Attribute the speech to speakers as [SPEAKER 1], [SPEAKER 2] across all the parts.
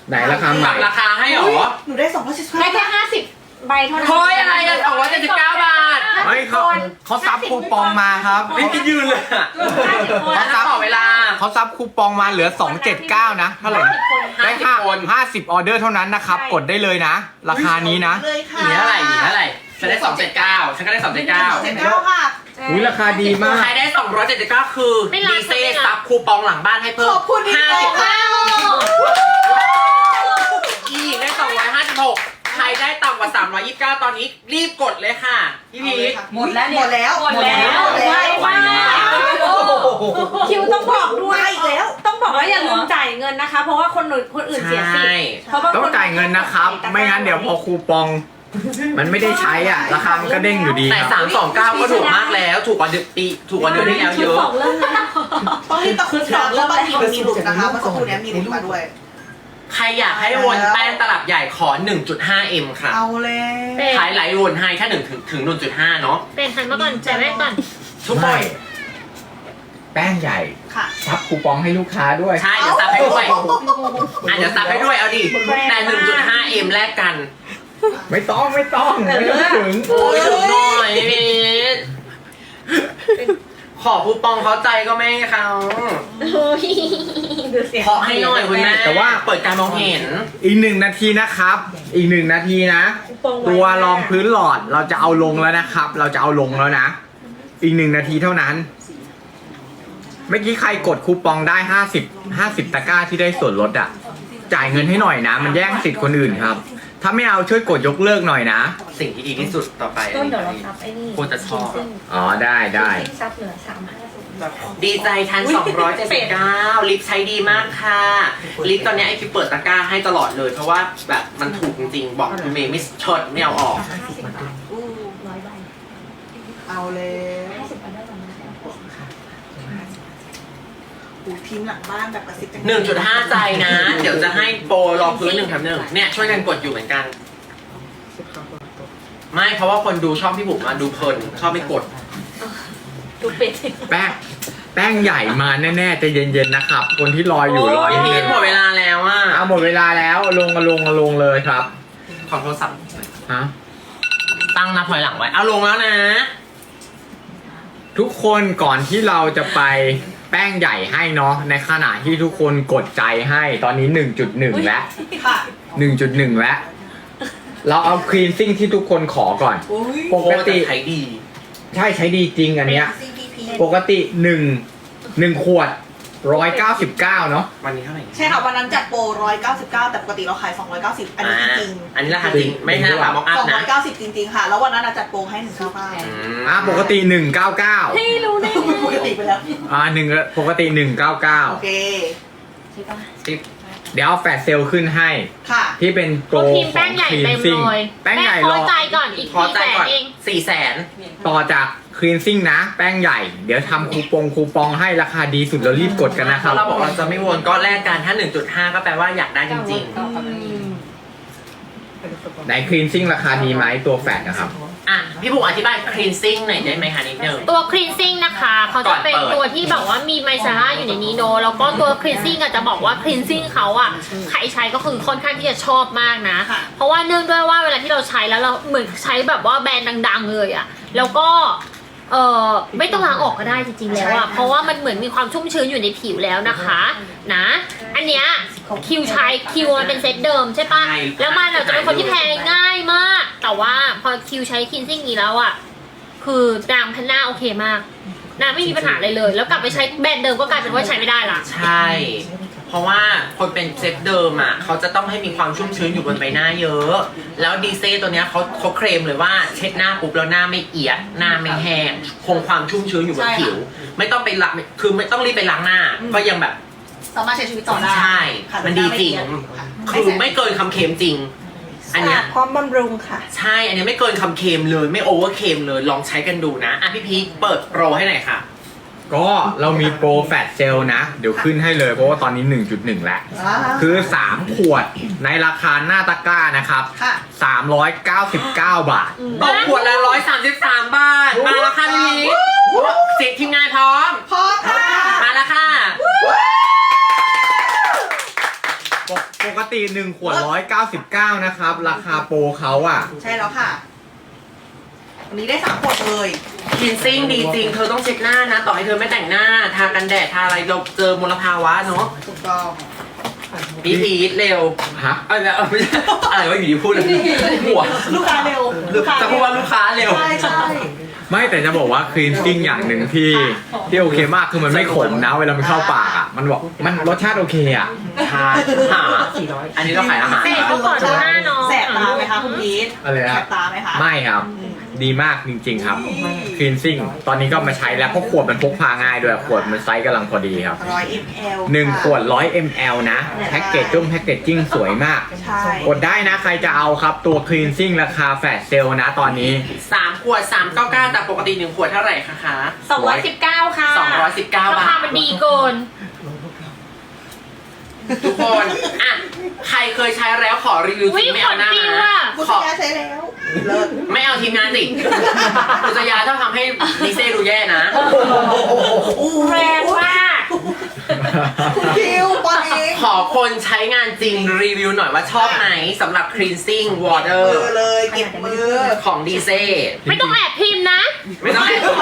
[SPEAKER 1] ไหนราคาใหม่
[SPEAKER 2] ราคาให้หรอ
[SPEAKER 3] หนูได้275
[SPEAKER 4] ได้แค่50 ใบเท่านั้น
[SPEAKER 2] เฮ้ยอะไรกัน279 บาท
[SPEAKER 1] เฮ้ยเขาซับคูปองมาครับ
[SPEAKER 2] ไม่คิดยืนเลยอะ
[SPEAKER 4] 50 คน
[SPEAKER 2] เขาซับต่อเวลา
[SPEAKER 1] เขาซับคูปองมาเหลือ 279 นะเท่าไหร่นะได้
[SPEAKER 2] 50 คน
[SPEAKER 1] 50 ออเดอร์เท่านั้นนะครับ กดได้เลยนะ ราคานี้นะ
[SPEAKER 3] เลยค่ะ
[SPEAKER 2] หนีเท่าไหร่หนีเท่าไหร่ฉันได้279ฉันก็ได้279
[SPEAKER 3] 279ค่ะ
[SPEAKER 1] อุ้ยราคาดีมาก
[SPEAKER 2] ใครได้279คือดีเซซับคูปองหลังบ้านให้เพิ่ม
[SPEAKER 3] ขอบคุณพี่โป๊
[SPEAKER 2] 50
[SPEAKER 3] ค่ะ
[SPEAKER 2] อีกได้256ใครได้ต่ำกว่า329ตอนนี้รีบกดเลยค่ะพี่พีช
[SPEAKER 3] หมดแล้วหมดแล้ว
[SPEAKER 4] หมดแล้วไวมากคิวต้องบอกด้วย
[SPEAKER 3] มาอีกแล้ว
[SPEAKER 4] ต้องบอกว่าอย่าลืมจ่ายเงินนะคะ เพราะว่าคนอื่นเสียสิทธิ์เพราะบางคน
[SPEAKER 1] ต้องจ่ายเงินนะครับ ไม่งั้นเดี๋ยวพอคูปอง มันไม่ได้ใช้อ่ะ ราคามันก็เด้งอยู่ดี
[SPEAKER 2] แต่
[SPEAKER 1] ครับ
[SPEAKER 2] 329ก็ถูกมากแล้วถูกกว่าเดือนที่แล้วเยอะ
[SPEAKER 4] สองเริ่มแล้ว
[SPEAKER 3] ต้องรีบตะคุบสอบแล้วบางทีมันมีหลุดนะคะเมื่อสักครู่นี้มีหลุดมาด้วย
[SPEAKER 2] ใครอยากให้วนแป้งตลับใหญ่ขอ 1.5M ค่ะ
[SPEAKER 3] เอาเลย
[SPEAKER 2] ขายไหลวนให้แค่ถึง 1.5 เนาะ
[SPEAKER 4] เป็นหันมาก่อนจ่ายแม่ก่อน
[SPEAKER 2] ทุกคน
[SPEAKER 1] ไม่แป้งใหญ่
[SPEAKER 3] ค่ะ
[SPEAKER 1] ซับคูปองให้ลูกค้าด้วย
[SPEAKER 2] ใช่เดี๋ยวซับให้ด้วยเดี๋ยวซับให้ด้วยเอาดิแต่ 1.5M แลกกัน
[SPEAKER 1] ไม่ต้องไม่ต้องถึง
[SPEAKER 2] โอ้ยถึงหน่อยพีชขอคูปองเขาใจก็ไม่ให้เขา
[SPEAKER 4] ดูเสียง
[SPEAKER 2] ขอให้หน่อยคุณแม่แต่ว่าเปิดการมองเห็น
[SPEAKER 1] อีก1 นาทีนะครับ อีก1 นาทีนะ ตัวรองพื้นหลอดเราจะเอาลงแล้วนะครับ เราจะเอาลงแล้วนะ อีก1 นาทีเท่านั้น เมื่อกี้ใครกดคูปองได้50 ตะกร้าที่ได้ส่วนลดอ่ะ จ่ายเงินให้หน่อยนะ มันแย่งสิทธิ์คนอื่นครับ ถ้าไม่เอาช่วยกดยกเลิกหน่อยนะ
[SPEAKER 2] สิ่งที่ดีที่สุดต่อไป
[SPEAKER 4] ต้นเดี๋ยวเราซับไอ้นี่
[SPEAKER 2] ควรจะชอบ
[SPEAKER 1] อ๋อได้ได้
[SPEAKER 4] ซับเหลือ350
[SPEAKER 2] ดีใจทัน279ลิฟต์ใช้ดีมากค่ะลิฟต์ตอนนี้ไอคิวเปิดตะกร้าให้ตลอดเลย เพราะว่าแบบมันถูกจริงๆ บอกคุณเมย์ไม่ชดไม่เอาออก
[SPEAKER 3] อู้
[SPEAKER 4] 100 ใบ
[SPEAKER 3] เอาเลย
[SPEAKER 4] 50 ใบได้ก่อนนะ
[SPEAKER 3] อูทีมหลังบ้านแบบกระซิบ
[SPEAKER 2] 1.5 ใจนะ เดี๋ยวจะให้โปรรองพื้น1 แถม 1เนี่ยช่วยกันกดอยู่เหมือนกัน ไม่เพราะว่าคนดูชอบพี่บุ๋มมาดูเพลินชอบไม่กด
[SPEAKER 4] ดูเป็ด
[SPEAKER 1] แป้งใหญ่มาแน่ๆใจะเย็นๆนะครับ คนที่รออยู่รอนิด
[SPEAKER 2] พี่
[SPEAKER 1] นึ
[SPEAKER 2] พี
[SPEAKER 1] ง
[SPEAKER 2] ทหมดเวลาแล้วอ่ะ
[SPEAKER 1] เอาหมดเวลาแล้วลงเลยครับ
[SPEAKER 2] ขอโทรศัพท์
[SPEAKER 1] ฮะ
[SPEAKER 2] ตั้งนับถอยหลังไว้เอาลงแล้วนะ
[SPEAKER 1] ทุกคนก่อนที่เราจะไปแป้งใหญ่ให้เนาะในขณะที่ทุกคนกดใจให้ตอนนี้ 1.1 แล้ว
[SPEAKER 3] ค่ะ
[SPEAKER 1] 1.1 แล้ว เราเอาคลีนซิ่งที่ทุกคนขอก่อน
[SPEAKER 3] อุ้ย
[SPEAKER 1] ปกติ
[SPEAKER 2] โอ้แต่ใช้ดี
[SPEAKER 1] ใช่ใช้ดีจริงอันเนี้ย
[SPEAKER 3] CPP
[SPEAKER 1] ปกติ1 ขวด 199 เนาะ
[SPEAKER 2] วันนี้เท่าไหร่
[SPEAKER 3] ใช่ค่ะวันนั้นจัดโปร199แต่ปกติเราขาย290อันนี้จริง
[SPEAKER 2] อันนี้ราคาจริงไม่ใช่ราคามอกอัพนะ
[SPEAKER 3] 290จริงๆค่ะ แล้ววันนั้นจัดโปรให้199
[SPEAKER 1] ปกติ 199
[SPEAKER 4] ให้รู้ได้ไง
[SPEAKER 3] ปกติไปแล้ว
[SPEAKER 1] ปกติ
[SPEAKER 3] โอ
[SPEAKER 1] 199
[SPEAKER 3] เค
[SPEAKER 4] ใช่ปะ
[SPEAKER 1] เดี๋ยวเอาแฟลชเซลลขึ้นให้
[SPEAKER 3] ค่ะ
[SPEAKER 1] ที่เป็นโปร
[SPEAKER 4] เขาพิมพ์
[SPEAKER 1] ข
[SPEAKER 4] แป้
[SPEAKER 1] อง
[SPEAKER 4] งใหญ่
[SPEAKER 1] คลี
[SPEAKER 4] เต็
[SPEAKER 1] น
[SPEAKER 4] ม
[SPEAKER 1] ซิ่ง
[SPEAKER 4] เลย
[SPEAKER 1] แป้งใหญ่
[SPEAKER 4] พ
[SPEAKER 1] ร
[SPEAKER 4] อ
[SPEAKER 1] อ
[SPEAKER 4] ใจก่อนอีก
[SPEAKER 2] ขอใจก่อน
[SPEAKER 4] 400,000เอง
[SPEAKER 2] 400,000
[SPEAKER 1] ต่อจากคลีนซิ่งนะ แป้งใหญ่ เดี๋ยวทำคูปองให้ราคาดีสุดแล้วรีบกดกันนะครับ
[SPEAKER 2] เราบอกเราจะไม่วนก็แลกกันถ้า 1.5 ก็แปลว่าอยากได้จริง
[SPEAKER 1] ไหนคลีนซิ่งราคาดีไหมตัวแฟดนะครับ
[SPEAKER 2] ๆ อ่ะ พี่บุ๋มอธิบาย cleansing หน่อยได้ไหมคะนิดนึง
[SPEAKER 4] ตัว cleansing นะคะเขาจะเป็น
[SPEAKER 2] ก่อนเปิด
[SPEAKER 4] ตัวที่แบบว่ามีไมซาร่าอยู่ในนี้เนอะแล้วก็ตัว cleansing อาจจะบอกว่า cleansing เขาอะใครใช้ก็คือค่อนข้างที่จะชอบมากนะ
[SPEAKER 3] ค่ะ
[SPEAKER 4] เพราะว่าเนื่องด้วยว่าเวลาที่เราใช้แล้วเราเหมือนใช้แบบว่าแบรนด์ดังๆเลยอะแล้วก็ไม่ต้องล้างออกก็ได้จริงๆแล้วอะเพราะว่ามันเหมือนมีความชุ่มชื้นอยู่ในผิวแล้วนะคะนะอันเนี้ยคิวใช้คิวมันเป็นเซตเดิมใช่ปะ
[SPEAKER 2] ใช่
[SPEAKER 4] แล้วมันจะเป็นคนที่แพ้ง่ายมาก แต่ว่าพอคิวใช้คินซิ่งนี้แล้วอะคือนางพันหน้าโอเคมากนางไม่มีปัญหาอะไรเลย แล้วกลับไปใช้แบรนด์เดิมก็กลายเป็นว่าใช้ไม่ได้ละ
[SPEAKER 2] ใช่ เพราะว่าคนเป็นเซตเดิมอ่ะเขาจะต้องให้มีความชุ่มชื้นอยู่บนใบหน้าเยอะ แล้วดีเซตัวเนี้ยเขาเคลมเลยว่าเช็ดหน้าปุ๊บแล้วหน้าไม่เอียดหน้าไม่แห้งคงความชุ่มชื้นอยู่บนผิว ไม่ต้องไปล้างคือไม่ต้องรีบไปล้างหน้า ก็ยังแบบ
[SPEAKER 3] สามารถใช้ชีวิตต่อได้
[SPEAKER 2] ใช่
[SPEAKER 3] ค่ะ
[SPEAKER 2] มันดีจริง
[SPEAKER 3] ค่ะ
[SPEAKER 2] คือไม่เกินคำเค็มจริง อันเนี้ย
[SPEAKER 4] พร้อมบำรุงค่ะ
[SPEAKER 2] ใช่ อันนี้ไม่เกินคำเค็มเลยไม่โอเวอร์เค็มเลยลองใช้กันดูนะอ่ะพี่พีคเปิดโปรให้หน่อยค่ะ
[SPEAKER 1] ก็เรามีโปรแฟดเซลนะ เดี๋ยวขึ้นให้เลยเพราะว่าตอนนี้ 1.1 แล้ว คือ 3 ขวดในราคาหน้าตะกร้านะครับ
[SPEAKER 3] ค่ะ
[SPEAKER 1] 399 บาท
[SPEAKER 2] ตกขวดละ133 บาท มาแล้วค่ะพี่พีคเสร็จทีมงานพร้อม
[SPEAKER 3] พอค่ะ
[SPEAKER 2] มาแล้วค่ะ
[SPEAKER 1] ปกกติ1ขวด199นะครับราคาโปรเขาอ่ะ
[SPEAKER 3] ใช่แล้วค่ะ วันนี้ได้3ขวดเลย
[SPEAKER 2] คลีนซิ่งดีจริง เธอต้องเช็ดหน้านะ ต่อให้เธอไม่แต่งหน้า ทากันแดด ทาอะไรเราเจอมลภาวะเนาะ
[SPEAKER 3] ถูกต้อง
[SPEAKER 2] พี่พีทเร็ว
[SPEAKER 1] ฮะ
[SPEAKER 2] ไม่ใช่อะไรวะอยู่ดีพูดเลยหัว
[SPEAKER 3] ลูกค้าเร็ว
[SPEAKER 2] จะพูดว่าลูกค้าเร็ว
[SPEAKER 3] ใช่ใช่
[SPEAKER 1] ไม่แต่จะบอกว่าคลีนซิ่งอย่างหนึ่งที่โอเคมากคือมันไม่ขมนะเวลามันเข้าปากอ่ะมันบอกมันรสชาติโอเคอ่ะ
[SPEAKER 2] ทาอันนี้เราขายอาหาร
[SPEAKER 4] เสร็จก็ก่อนดูหน้าน้อง
[SPEAKER 3] แสบตาไหมคะคุณพีท
[SPEAKER 1] อะไรนะ
[SPEAKER 3] แสบตาไหมคะ
[SPEAKER 1] ไม่ครับ ดีมากจริงๆครับคลีนซิ่งตอนนี้ก็มาใช้แล้วเพราะขวดมันพกพาง่ายด้วยขวดมันไซส์กำลังพอดีครับ
[SPEAKER 3] 100 ml
[SPEAKER 1] 1 ขวด100 ml นะแพ็กเกจแพ็กเกจจิ้งสวยมาก
[SPEAKER 3] ใช่
[SPEAKER 1] กดได้นะใครจะเอาครับตัวคลีนซิ่งราคาแฟลชเซลนะตอนนี้
[SPEAKER 2] 3 ขวด 399แต่ปกติ 1 ขวดเท่าไหร่คะ
[SPEAKER 4] 219 ค่ะ
[SPEAKER 2] 219
[SPEAKER 4] รา
[SPEAKER 2] บา
[SPEAKER 4] คา
[SPEAKER 2] ท
[SPEAKER 4] มันดีเกิน
[SPEAKER 2] ทุกคนอ่ะใครเคยใช้แล้วขอรีวิว
[SPEAKER 4] วิ
[SPEAKER 2] สิไม่เอาหน้า
[SPEAKER 4] ขวดปิว
[SPEAKER 2] นะ
[SPEAKER 4] อะ
[SPEAKER 3] คุณ
[SPEAKER 2] ขอ
[SPEAKER 3] ยาใช้แล้วเลิศ
[SPEAKER 2] ไม่เอาทีมงานสิกุศยาต้องทำให้ลิเซ่ดูแย่นะ
[SPEAKER 4] แรงมาก
[SPEAKER 3] คุณพิวปอนเอง
[SPEAKER 2] ขอคนใช้งานจริงรีวิวหน่อยว่าชอบไหมสำหรับ cleansing
[SPEAKER 3] มื
[SPEAKER 2] water
[SPEAKER 3] อเลยเก็บมือ
[SPEAKER 2] ของดีเซ่
[SPEAKER 4] ไม่ต้องแอบพิมพ์นะ
[SPEAKER 2] ไม่ต้องแอบ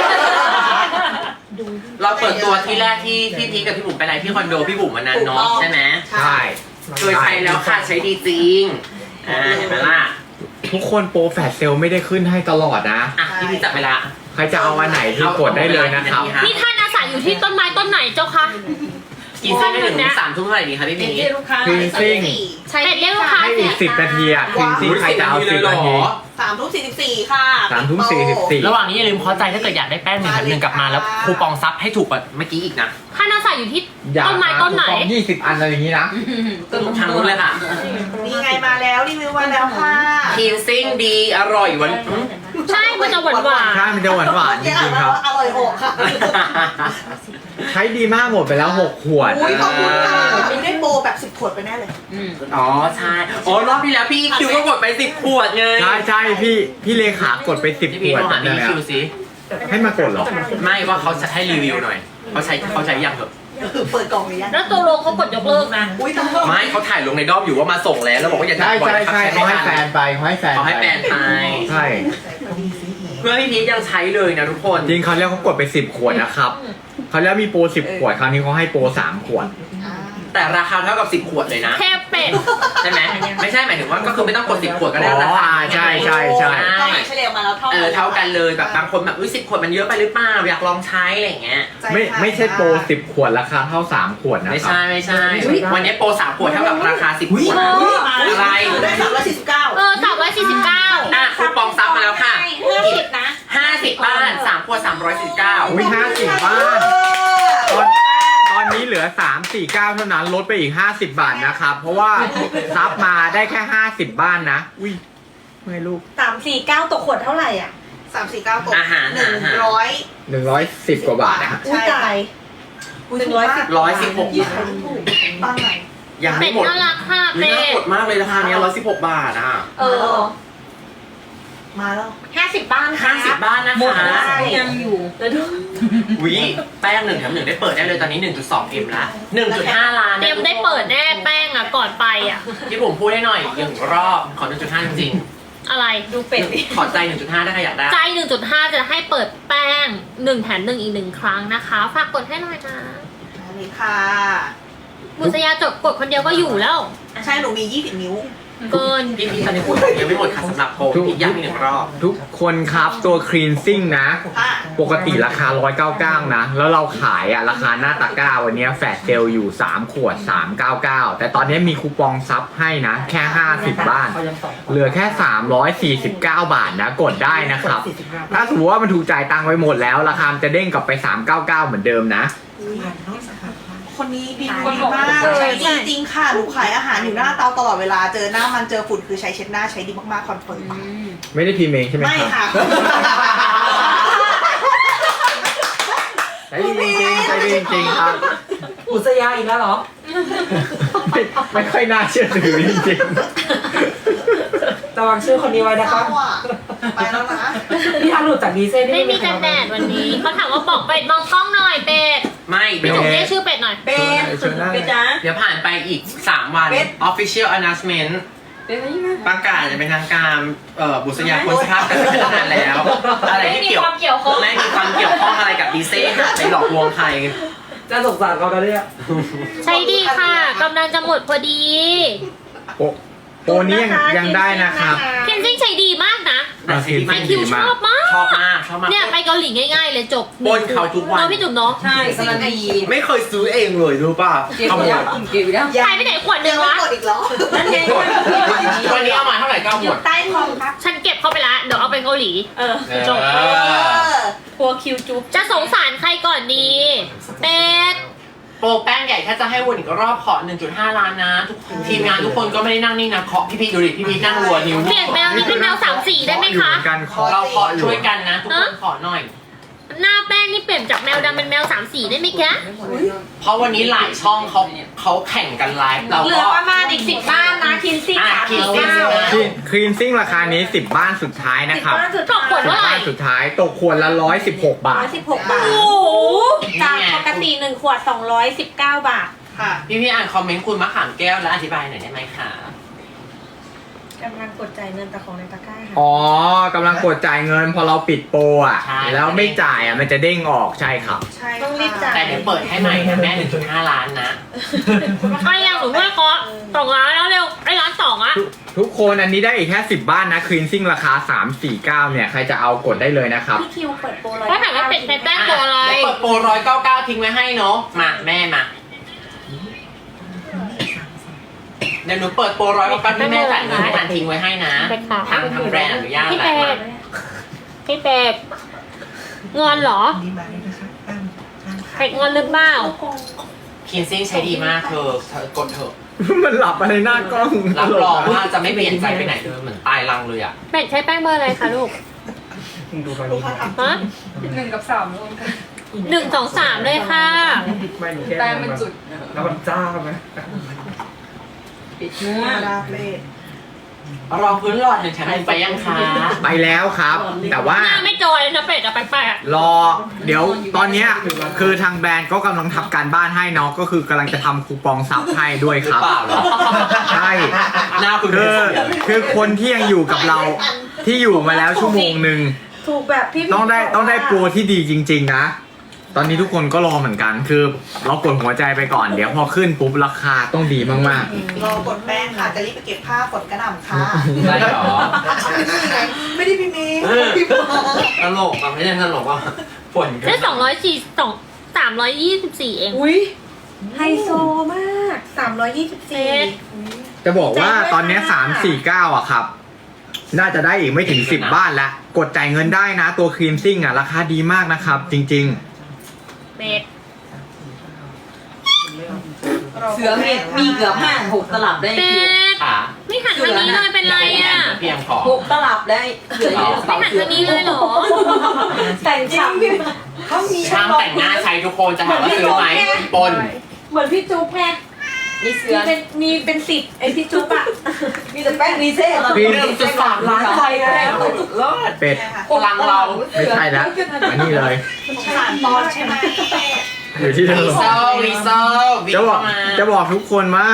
[SPEAKER 2] เราเปิดตัวที่แรกที่พี่พีคกับพี่บุ๋มไปอะไรที่คอนโดพี่บุ๋มวันนั้นเนาะใช่ไหม
[SPEAKER 1] ใช่
[SPEAKER 2] เคยใช้แล้วค่ะใช้ดีจริงเห็นไหมล่ะ
[SPEAKER 1] ทุกคนโปรแฟลชเซลไม่ได้ขึ้นให้ตลอดนะ
[SPEAKER 2] อ่ะพี่พีคจับเวลา
[SPEAKER 1] ใครจะเอาอันไหนที่กดได้เลยนะครับ
[SPEAKER 4] นี่ท่านอาศัยอยู่ที่ต้นไม้ต้นไหนเจ้าคะ
[SPEAKER 2] กินเส้นไม่ถึง3 ทุ่มเท่าไหร่ดีคะพี่พีค
[SPEAKER 1] คลีนซิ่ง
[SPEAKER 4] เป็ดเรียกลูกค้า
[SPEAKER 1] ให้อีก10 นาทีอ่ะคลีนซิ่งใครจะเอา10 นาที
[SPEAKER 3] 3:44ค่ะ
[SPEAKER 1] 3:44
[SPEAKER 2] ระหว่างนี้อย่าลืมเข้าใจถ้าเกิดอยากได้แป้ง1 แถม 1กลับมาแล้วคูปองซับให้ถูกกว่าเมื่อกี้อีกนะ
[SPEAKER 4] ท่านอาศัยอยู่ที่
[SPEAKER 1] อยาก
[SPEAKER 4] ต้นไม้ต้นไหน
[SPEAKER 1] 20 อันอะไรอย่างนี้นะ
[SPEAKER 2] ทางนู้นเลยค่ะ
[SPEAKER 3] นี่ไงมาแล้วรีวิวมาแล้วค่ะ
[SPEAKER 2] cleansing ดีอร่อยหวาน
[SPEAKER 4] ใช่ มันจะหวานหวาน
[SPEAKER 1] ใช่มันจะหวานๆจริงๆครับ
[SPEAKER 3] อร่อยอกค่ะ
[SPEAKER 1] ใช้ดีมากหมดไปแล้ว 6 ขวด
[SPEAKER 3] อุ้ยขอบคุณค่ะมีได้โปรแบบ10 ขวดไปแน่เลย
[SPEAKER 2] อ๋อใช่อ๋อรอบที่แล้วพี่คิวก็กดไป10 ขวดไง
[SPEAKER 1] ใช่พี่เลขากดไป
[SPEAKER 2] พี่
[SPEAKER 1] 10
[SPEAKER 2] พี
[SPEAKER 1] ขวด
[SPEAKER 2] โทรหา
[SPEAKER 1] เล
[SPEAKER 2] พี่
[SPEAKER 1] ย
[SPEAKER 2] คิวสิ
[SPEAKER 1] ให้มากดเหรอ
[SPEAKER 2] ไม่ว่าเขาจะให้รีวิวหน่อยเขาใช้ยังเหรอ
[SPEAKER 3] เปิดกล่องหรือยัง
[SPEAKER 4] แล้วตัวโลเขากดยกเลิกนะ
[SPEAKER 3] อุ้ยต้อง
[SPEAKER 2] ไม่เขาถ่ายลงในดอมอยู่ว่ามาส่งแล้วบอกว่าอย่า
[SPEAKER 1] ใช่
[SPEAKER 2] ถ่ายบ่อย
[SPEAKER 1] ใช่
[SPEAKER 2] นะครับ
[SPEAKER 1] เขาให้
[SPEAKER 2] ไม่
[SPEAKER 1] แฟ
[SPEAKER 2] ทั
[SPEAKER 1] นไปเขาให้แฟน
[SPEAKER 2] เขาให้แฟนไป
[SPEAKER 1] ใช่
[SPEAKER 2] เพื่อนพี่พีชยังใช้เลยนะทุกคน
[SPEAKER 1] จริงเขาเรียกเขากดไป10 ขวดนะครับเขาแล้วมีโปร10 ขวดคราวนี้เขาให้โปร3 ขวด
[SPEAKER 2] แต่ราคาเท่ากับ10 ขวดเลยนะ
[SPEAKER 4] แค่เป็ด
[SPEAKER 2] ใช่ไหมไม่ใช่หมายถึงว่าก็คือไม่ต้องกด10 ขวดก็ได้ราคา
[SPEAKER 1] ใช่
[SPEAKER 3] เท่าไหร่เฉลี่ยมาแล้วเท่า
[SPEAKER 2] เท่ากันเลยแบบบางคนแบบอุ้ย10 ขวดมันเยอะไปหรือเปล่าอยากลองใช้อะไรอย่างเงี้ย
[SPEAKER 1] ไม่ใช่โปร10 ขวดราคาเท่า 3 ขวดนะ
[SPEAKER 2] ไม่
[SPEAKER 1] ครับ
[SPEAKER 2] ใช่วันนี้โปร3 ขวดเท่ากับราคา10 ขวดอะไร
[SPEAKER 3] ได้349
[SPEAKER 4] 349
[SPEAKER 2] อ่ะคูปองซับมาแล้วค่ะ
[SPEAKER 4] 50นะ
[SPEAKER 2] 50 บ้าน3 ขวด 349
[SPEAKER 1] อุ้ย50 บ้าน ตอนนี้เหลือ 349 เท่านั้นลดไปอีก 50 บาทนะครับ เพราะว่าซับมาได้แค่ 50 บ้านนะ อุ้ยไม่ลูก
[SPEAKER 5] 349ตกขวดเท่าไหร่อ่ะ
[SPEAKER 3] 349ตก
[SPEAKER 2] อาหาร
[SPEAKER 3] 100
[SPEAKER 1] 110 กว่าบาทนะ
[SPEAKER 5] อุ้ยตาย
[SPEAKER 2] 116
[SPEAKER 3] บ้างไหน
[SPEAKER 2] ยัง
[SPEAKER 4] เป็
[SPEAKER 2] ไม่
[SPEAKER 4] ด
[SPEAKER 2] หมด
[SPEAKER 4] น่ารักค่ะ
[SPEAKER 2] ไม่
[SPEAKER 4] เป็
[SPEAKER 2] น่า
[SPEAKER 4] ด
[SPEAKER 2] กดมากเลยราคาเนี้ย116 บาทอ่ะ
[SPEAKER 5] เออ
[SPEAKER 3] มาแล้ว
[SPEAKER 5] 50 บ้านค่ะ
[SPEAKER 2] 50 บ้านนะ
[SPEAKER 5] หมด
[SPEAKER 2] คะ
[SPEAKER 5] ได้ยังอยู่แล้วดู
[SPEAKER 2] วิแป้ง1 แถม 1 ได้เปิดได้เลยตอนนี้ 1.2 M ละ 1.5 ล้าน
[SPEAKER 4] เตรียมได้เปิดแน่แป้งอ่ะก่อนไปอ่ะ
[SPEAKER 2] ที่ผมพูดให้หน่อย1 รอบขอ 1.5 จริง
[SPEAKER 4] อะไร
[SPEAKER 5] ดูเป็ดดิ
[SPEAKER 2] ๆขอใจ 1.5 ได้ใครอยากได้
[SPEAKER 4] ใจ 1.5 จะให้เปิดแป้ง 1 แถม 1 อีก 1 ครั้งนะคะ ฝากกดให้หน่อยนะ
[SPEAKER 3] มาเลยค่ะ
[SPEAKER 4] บุษยาจดกดคนเดียวก็อยู่แล้ว
[SPEAKER 3] ใช่หนูมี20 นิ้ว
[SPEAKER 4] เกิน
[SPEAKER 2] พี่ตอนนี้พูดยังไม่หมดค่ะสำหรับโปรอีกย้ำอีก1 รอบ
[SPEAKER 1] ทุกคนครับตัวคลีนซิ่งนะ
[SPEAKER 3] ค่ะ
[SPEAKER 1] ปกติราคา 199 นะ แล้วเราขายอ่ะราคาหน้าตะกร้าวันนี้แฟลชเซลอยู่ 3 ขวด 399 แต่ตอนนี้มีคูปองซับให้นะ แค่ 50 บ้าน เหลือแค่ 349 บาทนะ กดได้นะครับ ถ้าสมมติว่ามันถูกจ่ายตังค์ไปหมดแล้ว ราคามันจะเด้งกลับไป 399 เหมือนเดิมนะ
[SPEAKER 3] คนนี้ดีมากใช้ดีจริงค่ะหนูขายอาหารอยู่หน้าเตาตลอดเวลาเจอหน้ามันเจอฝุ่นคือใช้เช็ดหน้าใช้ดีมากๆคอนเฟิร์ม
[SPEAKER 1] ไม่ได้พิมพ์เองใช่ไหม
[SPEAKER 3] ไม่
[SPEAKER 1] ครับ
[SPEAKER 3] ค่ะ
[SPEAKER 1] ใช้ดีจริงๆใช้ดีจริงๆครับ
[SPEAKER 5] อุษยาอีกแล้วเหรอ
[SPEAKER 1] ไม่ค่อยน่าเชื่อถือจริง
[SPEAKER 5] ระวังชื่อคนนี้ไว้นะคะ
[SPEAKER 3] เข้าอ่ะไปแล้วนะ
[SPEAKER 5] พี่ทันหลุดจากดีเซ่
[SPEAKER 4] ไม่มีกันแดดวันนี้เขาถามว่าบอกเป็ดมองกล้องหน่อยเป็ด
[SPEAKER 2] ไม่
[SPEAKER 4] พี่
[SPEAKER 2] เดี๋ยว
[SPEAKER 4] จุ๋มเรียกชื่อเป็ดหน่อย
[SPEAKER 3] เป็น
[SPEAKER 1] เชิญได้
[SPEAKER 3] เป็นจ้า
[SPEAKER 2] เดี๋ยวผ่านไปอีก 3 วัน
[SPEAKER 3] เบ็ด
[SPEAKER 2] official announcement
[SPEAKER 3] เป็นไหมยังไง
[SPEAKER 2] ประกาศจะเป็นทางการบุษยาคนสภาพกันเป็นนานแล้ว อะไร
[SPEAKER 4] ไม่
[SPEAKER 2] ที่
[SPEAKER 4] มีความเกี่ยวข้อง
[SPEAKER 2] ไม่มีความเกี่ยวข้องอะไรกับดีเซ่ค่ะไปหลอกลวงใคร
[SPEAKER 5] จะสงสารเขาแล้วเนี่ย
[SPEAKER 4] ใช่ดีค่ะกำลังจะหมดพอดี
[SPEAKER 1] โปรนี้ยังได้นะครับ
[SPEAKER 4] เคนซิ่งใช้ดีมากนะ
[SPEAKER 2] แต่ซีรีส์
[SPEAKER 4] ไอ
[SPEAKER 2] ไม่
[SPEAKER 4] คิว
[SPEAKER 2] ดี
[SPEAKER 4] ช
[SPEAKER 2] มาก
[SPEAKER 4] อบมาก
[SPEAKER 2] ชอบมากชอบมาก
[SPEAKER 4] เนี่ยไปเกาหลีง่ายๆเลยจบ
[SPEAKER 2] ปนเขาทุกวัน
[SPEAKER 4] เนาะพี่จุ๋มเนาะ
[SPEAKER 3] ใช่กำลังดี
[SPEAKER 2] ไม่เคยซื้อเองเลยรู้ป่ะขโมย
[SPEAKER 3] เก็บแล้ว
[SPEAKER 4] หายไปไหนขวดหนึ
[SPEAKER 3] ยัง
[SPEAKER 4] ง
[SPEAKER 3] ไม่
[SPEAKER 4] วะ
[SPEAKER 3] กดอีกเหรอนั่นไง
[SPEAKER 2] วันนี้เอามาเท่าไหร่ก็เอาหมด
[SPEAKER 3] ใต้คอมครับ
[SPEAKER 4] ฉันเก็บเข้าไปละเดี๋ยวเอาไปเกาหลี จบ
[SPEAKER 3] กลัวคิวจุ๊บ
[SPEAKER 4] จะสงสารใครก่อนดีเป็ด
[SPEAKER 2] โปรแป้งใหญ่ถ้าจะให้วนอีกรอบขอ 1.5 ล้านนะทุกทีมงานทุกคนก็ไม่ได้นั่งนิ่งนะเคาะพี่พีดูดิพี่พีนั่งรัวนิ้ว
[SPEAKER 4] เปลี่ยนแมวนี้เป็นแมวสามสีได้ไหม
[SPEAKER 1] อยู่
[SPEAKER 4] คะ
[SPEAKER 1] เหมือนกันขอ
[SPEAKER 2] เราเคาะช่วยกันนะ ทุกคนขอหน่อย
[SPEAKER 4] หน้าแป้งนี่เปลี่ยนจากแมวดำเป็นแมวสามสีได้ไหมแก
[SPEAKER 2] เพราะวันนี้หลายช่องเขาแข่งกันไลฟ์เรา
[SPEAKER 3] เหลื
[SPEAKER 2] ก็
[SPEAKER 3] อประมาณอีก10บ้านนะคินซี่
[SPEAKER 2] คินซี่
[SPEAKER 1] คลีนซิ่งราคานี้ 10 บ้านสุดท้ายนะครับ
[SPEAKER 4] ตกขวด
[SPEAKER 1] 10
[SPEAKER 4] เท่าไหร่
[SPEAKER 1] บ้านสุดท้ายตกขวดละ116 บาท
[SPEAKER 3] 116 บาท
[SPEAKER 4] โอ้โห
[SPEAKER 6] จากปกติ1 ขวด 219 บาท
[SPEAKER 3] ค่ะ
[SPEAKER 2] พี่อ่านคอมเมนต์คุณมะขามแก้วแล้วอธิบายหน่อยได้ไหมคะ
[SPEAKER 6] กำลังกดจ่ายเงินแต่ของในตะกร้าค่ะ
[SPEAKER 1] อ๋อกำลังกดจ่ายเงินพอเราปิดโปรอ่ะ แล้วไม่จ่ายอ่ะมันจะเด้งออกใช่ครับ
[SPEAKER 3] ใช่
[SPEAKER 6] ต้องรีบจ่าย
[SPEAKER 2] แต่เดี๋ยวเปิดให้ใหม่นะแม่ 1.5 ล้านนะ
[SPEAKER 4] ใครยังหนูด้วยเคาะ2 ล้านแล้วเร็วไอ้ล้าน2อะ
[SPEAKER 1] ทุกคนอันนี้ได้อีกแค่ 10 บ้านนะคลีนซิ่งราคา 349 เนี่ย ใครจะเอากดได้เลยนะครับ
[SPEAKER 6] พี่คิวเปิดโปรร้อย
[SPEAKER 4] ถ้าถามว่าเป็ดในแป้งตัวอะไร
[SPEAKER 2] เดี๋ยวเปิดโปร199ทิ้งไว้ให้เนาะมาแม่มาเดี๋ยวหนูเปิดโปร199ที่แม่จ่ายเงินให้ทันทิ้งไว้ให้นะ
[SPEAKER 4] เป็ดค่ะ
[SPEAKER 2] ทางแบรนด์อนุญาต
[SPEAKER 4] พี่
[SPEAKER 2] แหละ
[SPEAKER 4] เป็ดพี่เป็ดงอนเหรอเป็ดงอนหรือเปล่า
[SPEAKER 2] คินซิ่งใช้ดีมากเธอกดเถอะ
[SPEAKER 1] มันหลับอะไรหน้ากล้อง
[SPEAKER 2] รับรองว่าจะไม่เปลี่ยนใจไปไหนเลยเหมือนตายรังเลยอ่ะ
[SPEAKER 4] เป็ดใช้แป้งเบอร์อะไรคะลูก
[SPEAKER 5] ดูไป
[SPEAKER 3] ลูกค้าถาม
[SPEAKER 4] ฮะ
[SPEAKER 3] 1 กับ 3รวมกัน
[SPEAKER 4] 1 2 3เลยค่ะ
[SPEAKER 5] ไม่หนูแค่
[SPEAKER 3] แต่มันจุด
[SPEAKER 5] แล้วมันจ้าไหม
[SPEAKER 3] ปิดเนื้อดาเพลท
[SPEAKER 2] รองพื้นหลอด1 ชั้นไปยังคะ
[SPEAKER 1] ไปแล้วครับ แต่ว่า
[SPEAKER 4] หน้าไม่จอยเลยนะเป็ดอะแปลก
[SPEAKER 1] รอเดี๋ยวตอนเนี้ยคือทางแบรนด์ก็กำลังทำการบ้านให้เนาะก็คือกำลังจะทำคูปองซับให้ด้วย
[SPEAKER 2] หรื
[SPEAKER 1] ค
[SPEAKER 2] อ
[SPEAKER 1] รับ
[SPEAKER 2] เปล่าเหรอ
[SPEAKER 1] ใช่
[SPEAKER 2] หน้าคุณ
[SPEAKER 1] คื
[SPEAKER 2] เป็น
[SPEAKER 1] อ
[SPEAKER 2] เสียง
[SPEAKER 1] คือคนที่ยังอยู่กับเราที่อยู่มาแล้วชั่วโมงหนึ่ง
[SPEAKER 6] ถูกแบบพี่
[SPEAKER 1] ต้องได้โปรที่ดีจริง ๆ นะ ตอนนี้ทุกคนก็รอเหมือนกัน คือเรากดหัวใจไปก่อน เดี๋ยวพอขึ้นปุ๊บราคาต้องดีมาก
[SPEAKER 3] รอกดแป้งค่ะ จะรีบไปเก็บผ้าฝนกระหน่ำค่ะ
[SPEAKER 2] ได้เหรอ
[SPEAKER 3] ไม่ได้พี่เมย์พี่ปอ
[SPEAKER 2] ตลกอ่ะไม่ใช่ตลกอ่ะฝน
[SPEAKER 4] ๆ
[SPEAKER 2] กัน
[SPEAKER 4] ได้324เอง
[SPEAKER 6] อุ้ยไฮโซมาก 324
[SPEAKER 1] ๆ จะบอกว่าตอนเนี้ย349 อ่ะครับ น่าจะได้อีกไม่ถึง 10 บ้านแล้ว กดจ่ายเงินได้นะ ตัวครีมซิ่งอ่ะ ราคาดีมากนะครับ จริง
[SPEAKER 4] เป็ด
[SPEAKER 3] เสือมีเกือบ5-6 ตลับได้
[SPEAKER 4] เป็ด
[SPEAKER 2] ขา
[SPEAKER 4] ไม่หันทางนี้เลยเป็นไรอะ
[SPEAKER 2] เพียงขอ
[SPEAKER 3] 6 ตลับได้เสืออยู่
[SPEAKER 4] ไม่หันทางนี้เลยเหรอ
[SPEAKER 6] แต่ง
[SPEAKER 3] จริ
[SPEAKER 6] ฉ่
[SPEAKER 3] งพี่เขามี
[SPEAKER 2] ช่างแต่งหน้าใช้ทุกคนจะถามว่าซื้อไหมปน
[SPEAKER 6] ำเหมือนพี่จุ๊บไง
[SPEAKER 3] มีเสื
[SPEAKER 6] มี
[SPEAKER 3] อ
[SPEAKER 6] เป็น10ไอพี่จุ๊บอะ
[SPEAKER 3] มีแต่แป้งรีเซ่
[SPEAKER 1] ครีม
[SPEAKER 2] 1.3 ล้านใจแล้วสุดยอด
[SPEAKER 1] ๆ เป็ด
[SPEAKER 2] พลังเรา
[SPEAKER 1] ไม่ใช่แล้วมานี่เลย
[SPEAKER 3] ผ่านตอนใช่ไหม
[SPEAKER 1] อยู่ที่เดิ
[SPEAKER 2] รี
[SPEAKER 1] ม
[SPEAKER 2] เซลรีเซล
[SPEAKER 1] จะบอกทุกคนว่า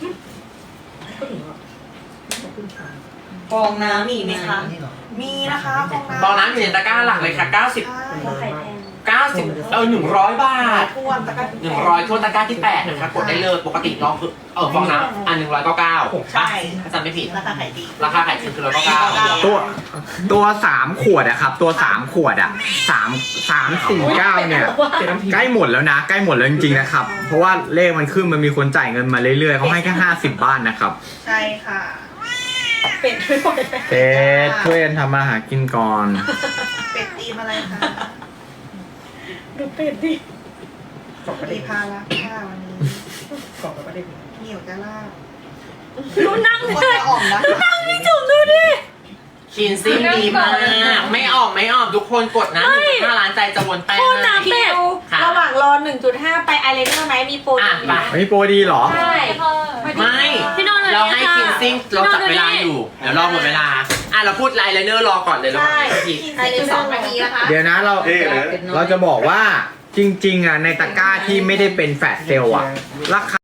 [SPEAKER 3] ฟองน้ำมีไหมคะ มีนะคะฟองน้ำ
[SPEAKER 2] ตอนนั้นอยู่ในตะกร้าหลักเลยค่ะ
[SPEAKER 3] ใช่
[SPEAKER 6] ไข่แพง
[SPEAKER 2] 100 บาท
[SPEAKER 3] ท่วมตะกร้า
[SPEAKER 2] 100ทั่วตะกร้าที่8นะคะกดได้เลยปกติลองคือฟองน้ำอัน199
[SPEAKER 3] ใช่
[SPEAKER 2] ถ้าจำไม่ผิด
[SPEAKER 3] ราคาขายดี
[SPEAKER 2] ราคาขายจริงคือ199
[SPEAKER 1] ตัว3 ขวดอะครับ ตัว 3 ขวดอะ349 เนี่ย ใกล้หมดแล้วนะ ใกล้หมดแล้วจริงๆนะครับ เพราะว่าเลขมันขึ้นมันมีคนจ่ายเงินมาเรื่อยๆเขาให้แค่50 บ้านนะครับ
[SPEAKER 3] ใช่ค่ะ
[SPEAKER 6] เป็ดด้วย
[SPEAKER 1] เป็ดช่วยกันทำมาหากินก่อน
[SPEAKER 3] เป็ดตีมอะไรคะ
[SPEAKER 6] ดูเป็ดดิ
[SPEAKER 3] มีพาราค่าวันนี้
[SPEAKER 5] กล่องก็ได้
[SPEAKER 3] เหนียวจะลาบ
[SPEAKER 4] ดูนั่ง
[SPEAKER 3] คน
[SPEAKER 4] เลย
[SPEAKER 3] จะอ่อมนะ
[SPEAKER 4] จุ่มดูดิ
[SPEAKER 2] คินซิ่งดีมาก ไม่ออกทุกคนกดนะ1.5 ล้านใจจะวนแป้ง
[SPEAKER 4] โคตร
[SPEAKER 2] นะ
[SPEAKER 4] น้ำ
[SPEAKER 6] คิ
[SPEAKER 4] เป็ด
[SPEAKER 6] วระหว่างรอ 1.5 ไปไอเลนเนอร์ไหมมีโปร
[SPEAKER 2] อ่ะ
[SPEAKER 6] ดี
[SPEAKER 2] ไป
[SPEAKER 1] ไม่โปรดีเหรอ
[SPEAKER 6] ใช่
[SPEAKER 2] ไม่
[SPEAKER 4] พี่นอนเลย
[SPEAKER 2] เราให้
[SPEAKER 4] ค่ะ
[SPEAKER 2] คินซิ่งเราจับเวลาอยู่ เดี๋ยวรอหมดเวลา เราพูดไลน์ไลเนอร์รอก่อนเลยแล้ว
[SPEAKER 6] ใช่
[SPEAKER 2] ที
[SPEAKER 3] กิน2 นาทีนะคะ
[SPEAKER 1] เดี๋ยวนะเราจะบอกว่าจริงๆอ่ะในตะกร้าที่ไม่ได้เป็นแฟลชเซลล์อ่ะราคา